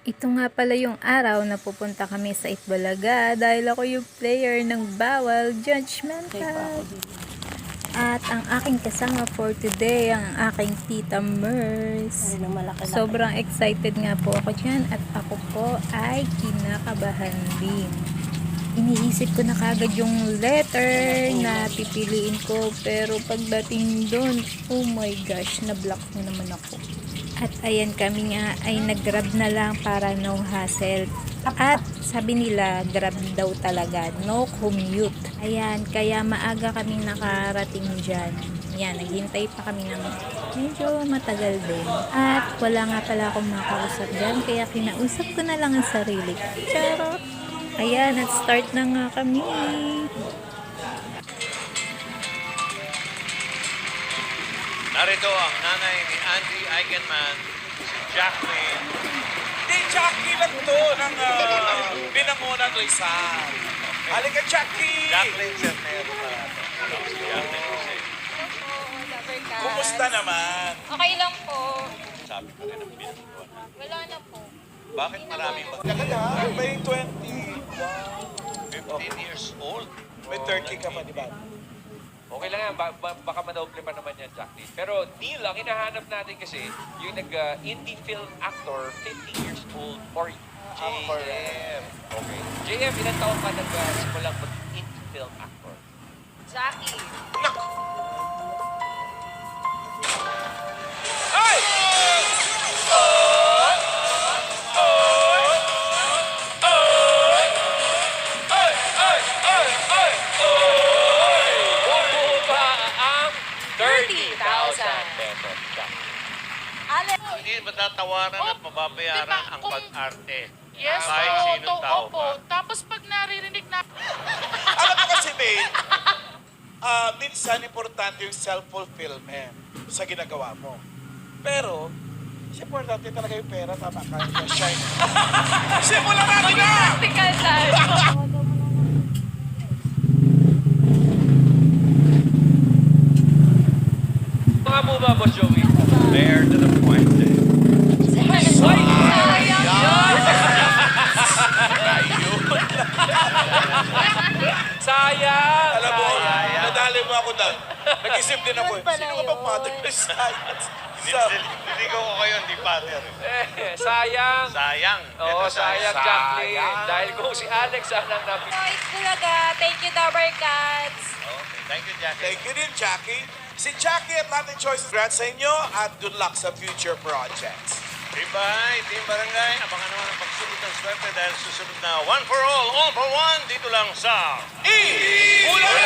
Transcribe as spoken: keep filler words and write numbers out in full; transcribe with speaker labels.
Speaker 1: Ito nga pala yung araw na pupunta kami sa Itbulaga dahil ako yung player ng Bawal Judgmental. At ang aking kasama for today, ang aking tita Mers. Sobrang excited nga po ako dyan at ako po ay kinakabahan din. Iniisip ko na kagad yung letter na pipiliin ko, pero pagdating doon, oh my gosh, na-block na naman ako. At ayan, kami nga ay nag-grab na lang para no hassle. At sabi nila, grab daw talaga, no commute. Ayan, kaya maaga kaming nakarating dyan. Yan, naghintay pa kami ng medyo matagal din. At wala nga pala akong makausap dyan, kaya kinausap ko na lang ang sarili. Charot! Ayan, at start na nga kami.
Speaker 2: Narito ang nanay ni Andy Eigenman, si Jacqueline.
Speaker 3: Hindi, Jackie lang to ng uh, Binangonan Rizal. Halika, Jackie!
Speaker 2: Jacqueline Cernero pala. Si Jacqueline Jose.
Speaker 3: Kumusta naman?
Speaker 4: Okay lang po.
Speaker 2: Sabi ko rin ang binanguan.
Speaker 4: Wala na po.
Speaker 2: Bakit maraming mag-
Speaker 3: Tagal ha? May twenty.
Speaker 2: fifteen years old?
Speaker 3: May thirty ka pa, di ba?
Speaker 5: Okay lang yan, ba ba baka manoble pa naman yan, Jacqueline. Pero Neil, ang hinahanap natin kasi, yung nag-indie film actor, fifty years old, or J M. Okay. J M, ilang taon ka nag-simulang mag-indie film actor?
Speaker 4: Jackie.
Speaker 3: Ay!
Speaker 5: Bubuo ba ang thirty thousand pesos, Jacqueline?
Speaker 4: Alex.
Speaker 2: Hindi matatawaran at mababayaran
Speaker 6: Diba,
Speaker 2: ang
Speaker 6: kung-
Speaker 2: pag-arte.
Speaker 6: Yes,
Speaker 2: Kahit
Speaker 6: po.
Speaker 2: sinong
Speaker 6: To,
Speaker 2: tao
Speaker 6: opo.
Speaker 2: pa.
Speaker 6: Tapos pag naririnig na,
Speaker 3: Alam mo kasi, babe, ah, minsan importante yung self-fulfillment sa ginagawa mo. Pero, mas importante talaga yung pera, tama ka. Shine. Simulan natin na!
Speaker 4: Practical tayo.
Speaker 5: Mga mo ba, Boss Joey?
Speaker 2: Fair to the point eh.
Speaker 5: Sayang!
Speaker 3: Alam mo,
Speaker 5: Sayang.
Speaker 3: nadali mo ako doon. Nag-isip din ako, eh, sino ka bang mother science? Sa,
Speaker 2: Hindi ko kayo, hindi father. eh.
Speaker 5: Eh, sayang!
Speaker 2: Sayang.
Speaker 5: Oo,
Speaker 2: Ito,
Speaker 5: sayang, Jacqueline. Dahil kung si Alex ang nang napili.
Speaker 4: So, Itbulaga. Thank you, Dabber Cats.
Speaker 2: Okay, thank you, Jackie.
Speaker 3: thank you din, Jackie. Si Jackie at Latin Choices, congrats sa inyo at good luck sa future projects.
Speaker 2: Bye, Team Barangay. Abangan naman ang pagsulot ng swerte dahil susunod na One for All, All for One dito lang sa
Speaker 3: E! Bulaga!